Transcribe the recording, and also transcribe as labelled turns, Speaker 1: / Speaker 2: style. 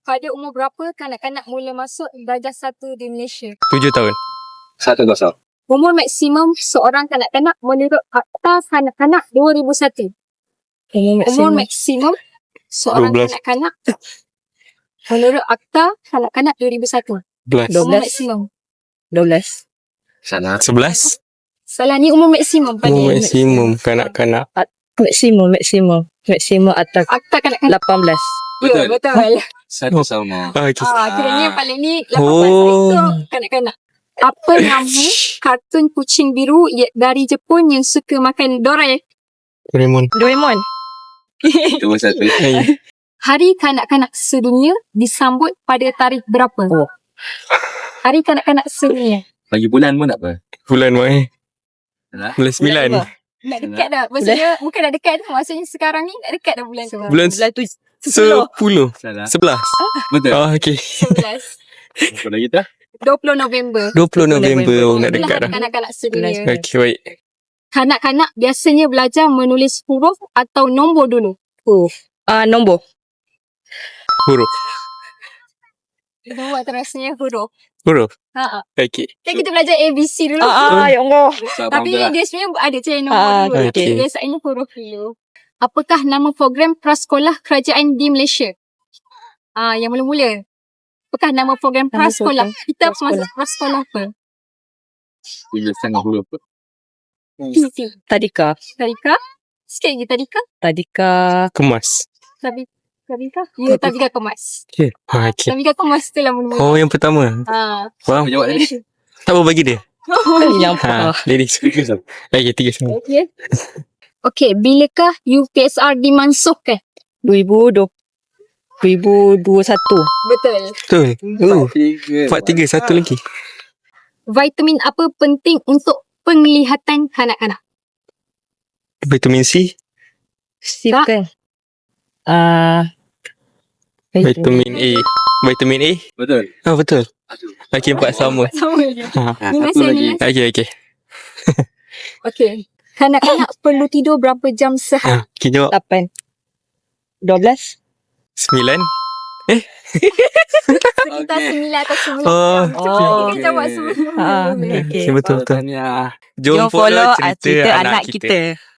Speaker 1: Pada umur berapa kanak-kanak mula masuk darjah 1 di Malaysia?
Speaker 2: 7 tahun.
Speaker 3: 1-0.
Speaker 1: Umur maksimum seorang kanak-kanak menurut Akta Kanak-kanak 2001. Umur maksimum seorang
Speaker 2: 12.
Speaker 1: kanak-kanak menurut Akta Kanak-kanak 2001.
Speaker 2: 11.
Speaker 1: Umur maksimum.
Speaker 4: 12.
Speaker 3: Salah.
Speaker 2: 11.
Speaker 1: Salah, ni umur maksimum pada
Speaker 2: Umur maksimum kanak-kanak.
Speaker 4: Maksimum atas
Speaker 1: Akta Kanak-kanak.
Speaker 4: 18.
Speaker 1: Ya, betul.
Speaker 3: Satu sama.
Speaker 2: Okay.
Speaker 1: Kiranya yang paling ni 18
Speaker 2: Oh.
Speaker 1: itu kanak-kanak. Apa nama kartun kucing biru dari Jepun yang suka makan
Speaker 2: Doraemon.
Speaker 4: Doraemon.
Speaker 3: Itu satu.
Speaker 2: Hai.
Speaker 1: Hari Kanak-kanak Sedunia disambut pada tarikh berapa?
Speaker 4: Oh.
Speaker 1: Hari Kanak-kanak Sedunia.
Speaker 3: Bagi bulan pun tak apa.
Speaker 2: Bulan Mai.
Speaker 3: Salah.
Speaker 2: Bulan 9.
Speaker 1: Nak dekat dah. Maksudnya bukan nak dekat dah. Maksudnya sekarang ni nak dekat dah bulan tu.
Speaker 2: Bulan
Speaker 4: Bulan tu
Speaker 2: 10.
Speaker 4: 10.
Speaker 3: Salah.
Speaker 2: 11.
Speaker 3: Betul.
Speaker 2: Oh, okay.
Speaker 1: 11.
Speaker 3: Apa lagi tu?
Speaker 1: 20 November.
Speaker 2: 20 November. Oh, nak
Speaker 1: Itulah
Speaker 2: dekat
Speaker 1: Hari
Speaker 2: dah.
Speaker 1: Kanak-kanak Sedunia.
Speaker 2: Okay, baik.
Speaker 1: Kanak-kanak biasanya belajar menulis huruf atau nombor dulu.
Speaker 4: Nombor.
Speaker 2: Huruf.
Speaker 1: Nombor atau rasanya huruf.
Speaker 2: Huruf.
Speaker 1: Ha.
Speaker 2: Okay.
Speaker 1: Kan kita belajar ABC dulu.
Speaker 4: Ya Allah.
Speaker 1: Tapi dia sebenarnya ada cara nombor dulu.
Speaker 2: okay.
Speaker 1: Tapi biasanya huruf dulu. Apakah nama program prasekolah kerajaan di Malaysia? Yang mula-mula. Apakah nama program
Speaker 4: Nama
Speaker 1: prasekolah?
Speaker 4: program
Speaker 1: Kita
Speaker 4: prasekolah.
Speaker 1: masuk prasekolah apa?
Speaker 3: 3,5 huruf.
Speaker 1: PC.
Speaker 4: Tadika.
Speaker 1: Tadika? Sikit lagi Tadika?
Speaker 4: Tadika.
Speaker 2: Kemas.
Speaker 1: Tadika? Ya, Tadika Kemas.
Speaker 2: Okay. Okay.
Speaker 1: Tadika Kemas tu lah mula-mula.
Speaker 2: Oh, yang pertama. Faham?
Speaker 3: Jawab tadi.
Speaker 2: Tak apa bagi dia.
Speaker 4: Yang
Speaker 2: Ladies. Okay, 3 semua.
Speaker 1: Okay. Okay, bilakah UPSR dimansuhkan?
Speaker 4: 2021.
Speaker 1: Betul.
Speaker 2: Betul.
Speaker 3: 4-3.
Speaker 2: 4-3. Satu lagi.
Speaker 1: Vitamin apa penting untuk penglihatan kanak-kanak?
Speaker 2: Vitamin C.
Speaker 4: Sip kan?
Speaker 2: Vitamin A. Vitamin A.
Speaker 3: Betul.
Speaker 2: Betul. Okay, 4 sama.
Speaker 1: Sama je. Ni
Speaker 3: Satu
Speaker 1: masih
Speaker 3: lagi.
Speaker 2: Okay, okay.
Speaker 1: Okay. Kanak-kanak perlu tidur berapa jam sehari?
Speaker 2: Okay, jawab.
Speaker 4: 8. 12.
Speaker 2: 9.
Speaker 1: Sekitar 9 atau 10
Speaker 2: Oh,
Speaker 1: jam. Cepat kita jawab
Speaker 3: okay.
Speaker 1: sebelum.
Speaker 4: Okay.
Speaker 2: Okay, betul.
Speaker 3: Tahniah.
Speaker 2: Jom follow cerita anak kita.